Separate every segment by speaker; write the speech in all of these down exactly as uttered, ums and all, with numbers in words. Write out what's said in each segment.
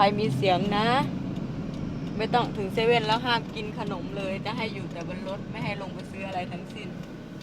Speaker 1: รมีเสียงนะไม่ต้องถึงเซเว่นแล้วห้ามกินขนมเลยจะให้อยู่แต่บนรถไม่ให้ลงไปซื้ออะไรทั้งสิ้น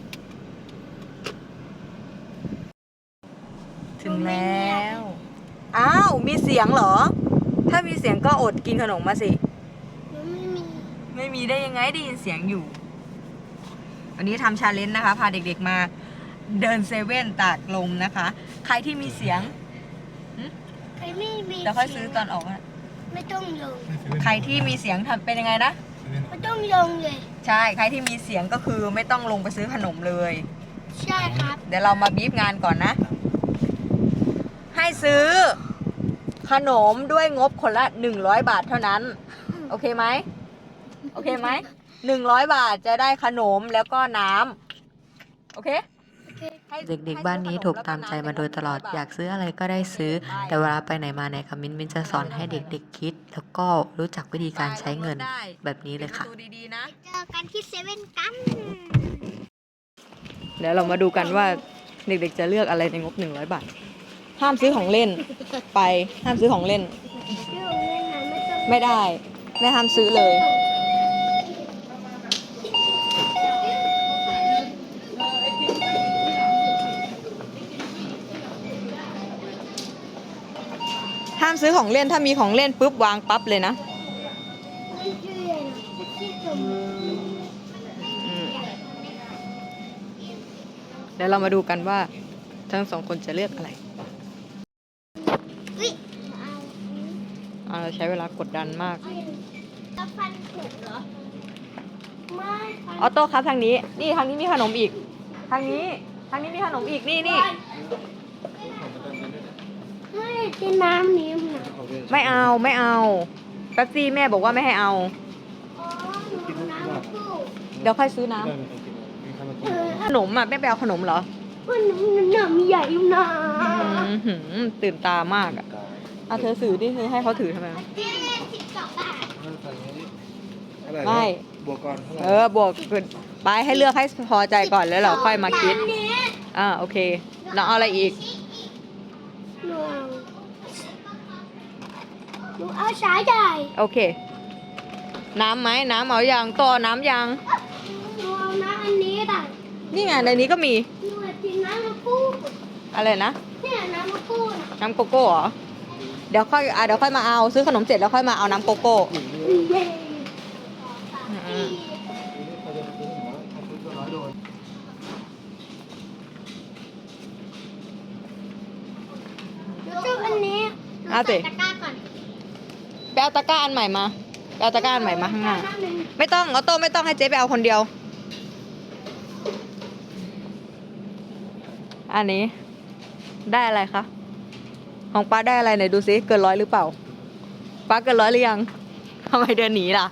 Speaker 1: ถึงแล้วอ้าวมีเสียงเหรอถ้ามีเสียงก็อดกินขนมมาสิ
Speaker 2: ไม่มี
Speaker 1: ไม่มีได้ยังไงได้ยินเสียงอยู่วันนี้ทำชาเลนจ์นะคะพาเด็กๆมาเดินเซเว่นตากลมนะคะใครที่มีเสียง
Speaker 2: ใครไม่มี
Speaker 1: เดี๋ยวค่อยซื้อตอนออกนะ
Speaker 2: ไม่ต้องลง
Speaker 1: ใครที่มีเสียงทำเป็นยังไงนะ
Speaker 2: ไม่ต้องลงเลย
Speaker 1: ใช่ใครที่มีเสียงก็คือไม่ต้องลงไปซื้อขนมเลย
Speaker 2: ใช่ครับ
Speaker 1: เดี๋ยวเรามาบีบงานก่อนนะให้ซื้อขนมด้วยงบคนละหนึ่งร้อยบาทเท่านั้นโอเคไหมโอเคไหมหนึ่งร้อยบาทจะได้ขนมแล้วก็น้ำโอเค
Speaker 3: เด็กๆบ้านนี้ถูกตามใจมาโดยตลอดอยากซื้ออะไรก็ได้ซื้อแต่เวลาไปไหนมาไหนค่ะมิ้นมิ้นจะสอนให้เด็กๆคิดแล้วก็รู้จักวิธีการใช้เงินแบบนี้เลยค่ะ
Speaker 2: เจอกันที่เซเว่นกัน
Speaker 1: เดี๋ยวเรามาดูกันว่าเด็กๆจะเลือกอะไรในงบหนึ่งร้อยบาทห้ามซื้อของเล่นไปห้ามซื้อของเล่นไม่ได้ไม่ห้ามซื้อเลยห้ามซื้อของเล่นถ้ามีของเล่นปุ๊บวางปั๊บเลยนะเดี๋ยวเรามาดูกันว่าทั้งสองคนจะเลือกอะไรเราใช้เวลากดดันมากออโต้ครับทางนี้นี่ทางนี้มีขนมอีกทางนี้ทางนี้มีขนมอีกนี่นี่
Speaker 2: ไม่กินน้ำนี้นะ
Speaker 1: ไม่เอาไม่เอาแป๊บซี่แม่บอกว่าไม่ให้เอาเดี๋ยวค่อยซื้อน้ำขนมอ่ะแม่ไปเอาขนมเหรอ
Speaker 2: ขนมน้ำใหญ่นะ
Speaker 1: ตื่นตามากอ่ะอ่ะเธอถือดิเธอให้เขาถือทำไมไม่
Speaker 4: บวกก่อน
Speaker 1: เออบวกไปให้เลือกให้พอใจก่อนแล้วเราค่อยมาคิดอ่าโอเคน้องเอาอะไรอีก
Speaker 2: หนูเอาสายใหญ่
Speaker 1: โอเคน้ำไหมน้ำเอาอย่างต่อน้ำยัง
Speaker 2: หนูเอาน้ำอันนี้แต่
Speaker 1: นี่ไงในนี้ก็มี
Speaker 2: หนูกินน้ำมะกรูด
Speaker 1: อะไรนะ
Speaker 2: เนี่ยน้ำมะกรูด
Speaker 1: น้ำโกโก้เหรอเดี๋ยวค่อยอ่ะเดี๋ยวค่อยมาเอาซื้อขนมเสร็จแล้วค่อยมาเอาน้ำโกโก้
Speaker 2: อันนี้
Speaker 1: เอาสิไปเอาตะกร้าอันใหม่มาไปเอาตะกร้าอันใหม่มาข้างหน้าไม่ต้องเอาโต้ไม่ต้องให้เจ๊ไปเอาคนเดียวอันนี้ได้อะไรคะของป้าได้อะไรไหนดูซิเกินร้อยหรือเปล่าป้าเกินร้อยหรือยังทำไมเดินหนีล่ะ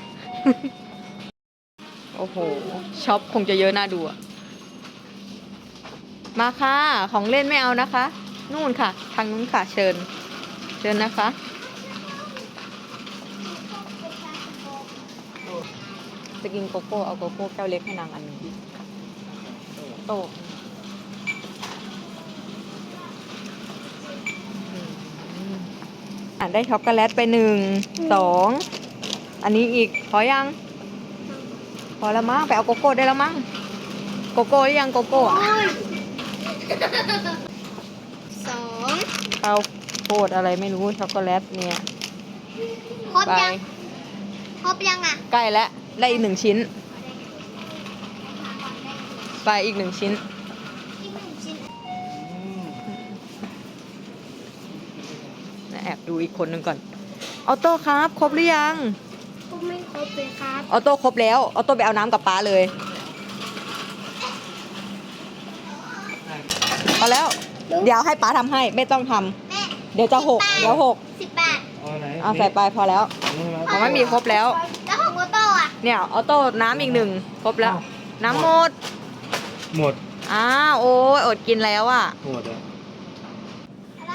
Speaker 1: โอ้โหช็อปคงจะเยอะน่าดูอะมาค่ะของเล่นไม่เอานะคะนู่นค่ะทางนู้นค่ะเชิญเชิญนะคะจะกินโกโก้เอาโกโก้แก้วเล็กให้นางอันนึงโตอ่ะได้ช็อกโกแลตไปหนึ่งสองอันนี้อีกพอยังพอแล้วมั้งไปเอาโกโก้ได้แล้วมั้งโกโก้หรือยังโกโก้อ่ะ
Speaker 2: สอง
Speaker 1: เอาโคตรอะไรไม่รู้ช็อกโกแลตเนี่ย
Speaker 2: ครบยังครบยังอ่ะ
Speaker 1: ใกล้แล้วได้อีกหนึ่งชิ้นไปอีกหนึ่งชิ้นแอบดูอีกคนหนึ่งก่อนออโต้ครับครบหรือยัง
Speaker 2: ครบไม่ครบเลยครับ
Speaker 1: ออโต้ครบแล้วออโต้ไปเอาน้ำกับป้าเลยพอแล้วเดี๋ยวให้ป้าทำให้ไม่ต้องทำเดี๋ยวจะหกเดี๋ยวหก
Speaker 2: สิบแปด
Speaker 1: เอาใส่ไปพอแล้วของไม่มีครบแล้ว
Speaker 2: แล้วของออโต้อะ
Speaker 1: เนี่ยออโต้น้ำอีกหนึ่งครบแล้วน้ำหมด
Speaker 4: หมด
Speaker 1: อ้าวโอ้ยอดกินแล้วอ่ะ
Speaker 4: หมดอะ
Speaker 2: อะไร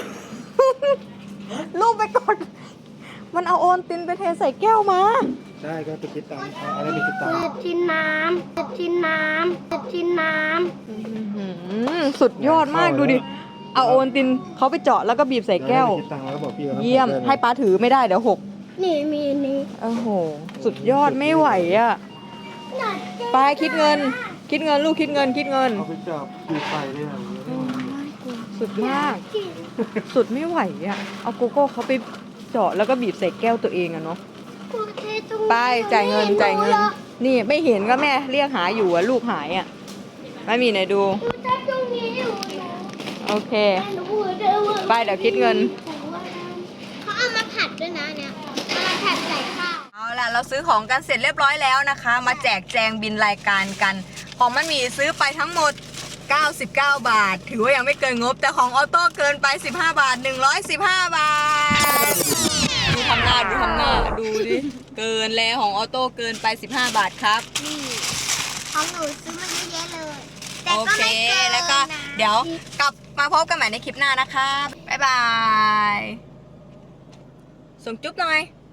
Speaker 1: ลูกไปกดมันเอาโอนตินไปเทใส่แก้วมา
Speaker 4: ใช่ก็ไปคิดตังค์อะไรไปคิดตังค์
Speaker 2: จะกินน้ำจะกินน้ำจะกินน้
Speaker 1: ำสุดยอดมากดูดิเอาโอนตินเขาไปเจาะแล้วก็บีบใส่แก้ว
Speaker 4: เดี๋ยให้ไปคิดตังค์แล้วก็บอกพี่ขานะ
Speaker 1: เยี่ยม
Speaker 4: ได้ล
Speaker 1: ให้ป้าถือไม่ได้เดี๋ยวหก
Speaker 2: นี่มีอันนี้
Speaker 1: โอ้โห สุดยอดไม่ไหวอ่ะไปคิดเงิน คิดเงินลูกคิดเงินคิดเงิน
Speaker 4: เอาไปจับปีไฟได้ไหม
Speaker 1: สุดมาก สุดไม่ไหวอ่ะ เอาโกโก้เขาไปเจาะแล้วก็บีบใส่แก้วตัวเองอะเนาะ
Speaker 2: กูเทตรงนี้
Speaker 1: ไปจ่ายเงินจ่ายเงิน นี่ไม่เห็นก็แม่เรียกหาอยู่อะลูกหายอะไม่มีไหนดู
Speaker 2: กูเทตรงนี้อยู่นะ
Speaker 1: โอเค
Speaker 2: แต่หนูพูดได้ว่า
Speaker 1: ไปเดี๋ยวคิดเงิน
Speaker 2: เขาเอามาผัดด้วยนะเนี่ยเอามาผัดใส่ข้าว
Speaker 1: เอาล่ะเราซื้อของกันเสร็จเรียบร้อยแล้วนะคะ มาแจกแจงบินรายการกัน ของมันมีซื้อไปทั้งหมด เก้าสิบเก้า บาท ถือว่ายังไม่เกินงบ แต่ของออโต้เกินไป สิบห้า บาท หนึ่งร้อยสิบห้า บาท ดูทำหน้าดูทำหน้าดูดิ เกินแล้วของออโต้เกินไป สิบห้า บาทครับ
Speaker 2: นี่ของหนูซื้อมาเยอะๆเลย แต่
Speaker 1: โอ
Speaker 2: ก็
Speaker 1: เค
Speaker 2: ไม่เกิน
Speaker 1: แล้วก็
Speaker 2: นะ
Speaker 1: เดี๋ยวกลับมาพบกันใหม่ในคลิปหน้านะคะ บ๊ายบาย ส่งจุ๊บหน่อย